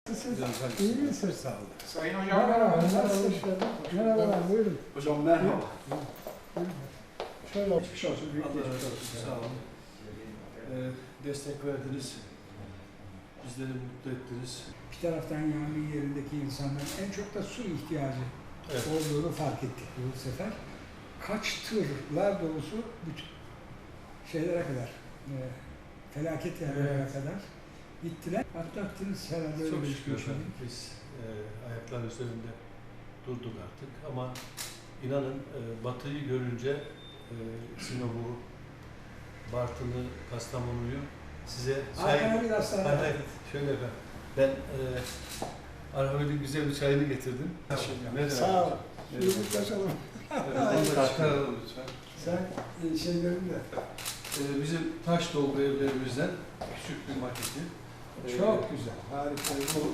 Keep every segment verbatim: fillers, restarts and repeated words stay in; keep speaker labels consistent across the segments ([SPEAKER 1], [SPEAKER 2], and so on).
[SPEAKER 1] Nasılsınız? İyi misiniz? Sağ olun.
[SPEAKER 2] Sayın Hocam
[SPEAKER 1] Merhaba, nasılsınız? Merhabalar, buyurun.
[SPEAKER 2] Hocam merhaba.
[SPEAKER 1] Buyurun. Şöyle geçmiş olsun, büyük
[SPEAKER 2] Allah
[SPEAKER 1] geçmiş
[SPEAKER 2] razı
[SPEAKER 1] olsun.
[SPEAKER 2] olsun. Sağ olun. Ee, destek verdiniz. Bizleri mutlu ettiniz.
[SPEAKER 1] Bir taraftan yangın yerindeki insanların en çok da su ihtiyacı
[SPEAKER 2] Evet.
[SPEAKER 1] olduğunu fark ettik bu sefer. Kaç tırlar dolusu bütün şeylere kadar, e, felaket yerlere
[SPEAKER 2] Evet.
[SPEAKER 1] kadar gittiler. Atlattınız herhalde öyle
[SPEAKER 2] Çok
[SPEAKER 1] bir
[SPEAKER 2] şükür
[SPEAKER 1] geçmiş
[SPEAKER 2] efendim.
[SPEAKER 1] oldu.
[SPEAKER 2] Biz e, ayaklar üzerinde durduk artık ama inanın e, Batı'yı görünce e, Sinop'u, Bartın'ı, Kastamonu'yu size
[SPEAKER 1] Arkana biraz
[SPEAKER 2] Hayır,
[SPEAKER 1] daha.
[SPEAKER 2] hayır, şöyle efendim. Ben e, Arhamet'in güzel bir çayını getirdim. Merhaba.
[SPEAKER 1] Sağ ol.
[SPEAKER 2] Merhaba.
[SPEAKER 1] Yumruklaşalım.
[SPEAKER 2] Evet, onu da çıkaralım lütfen.
[SPEAKER 1] Sen e, şeylerin de
[SPEAKER 2] Ee, bizim taş dolgu evlerimizden küçük bir maketi. Ee,
[SPEAKER 1] çok güzel, harika.
[SPEAKER 2] bu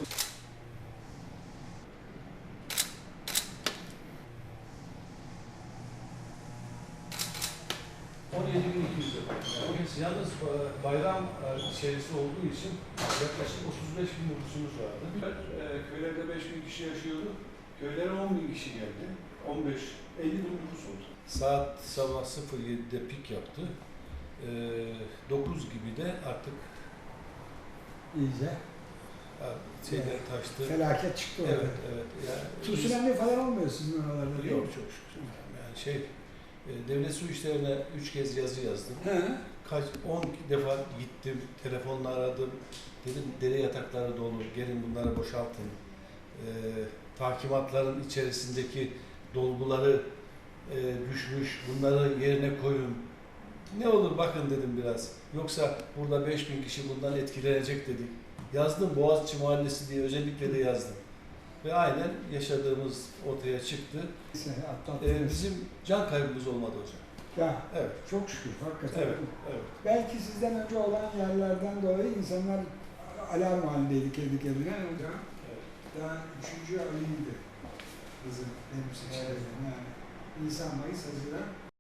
[SPEAKER 2] on yedi bin iki yüz lira. Yani yalnız e, bayram e, içerisi olduğu için yaklaşık otuz beş bin nüfusumuz vardı. E, köylerde beş bin kişi yaşıyordu. Köylere on bin kişi geldi. on beş elli bin nüfus oldu. Saat sabah sıfır yedide pik yaptı. E, dokuz gibi de artık
[SPEAKER 1] iyice
[SPEAKER 2] e, şeyler taştı.
[SPEAKER 1] felaket çıktı orada.
[SPEAKER 2] Evet, evet. Yani
[SPEAKER 1] Tsunami falan olmuyor sizin oralarda değil mi?
[SPEAKER 2] Yok çok şükür. Yani şey, e, devlet su işlerine üç kez yazı yazdım.
[SPEAKER 1] He.
[SPEAKER 2] Kaç, on defa gittim, telefonla aradım. Dedim dere yatakları dolu, gelin bunları boşaltın. E, takimatların içerisindeki dolguları e, düşmüş, bunları yerine koyun. Ne olur bakın dedim biraz. Yoksa burada beş bin kişi bundan etkilenecek dedik. Yazdım Boğaziçi Mahallesi diye özellikle de yazdım. Ve aynen yaşadığımız ortaya çıktı.
[SPEAKER 1] Neyse,
[SPEAKER 2] Ee,
[SPEAKER 1] atlattınız.
[SPEAKER 2] bizim can kaybımız olmadı hocam.
[SPEAKER 1] Ya
[SPEAKER 2] Evet,
[SPEAKER 1] çok şükür hakikaten.
[SPEAKER 2] evet, evet.
[SPEAKER 1] Belki sizden önce olan yerlerden dolayı insanlar alarm halindeydi kendi kendine. Hocam
[SPEAKER 2] Evet.
[SPEAKER 1] daha üçüncü ayıydı kızın benim seçimlerim. Yani Nisan, Mayıs, Haziran.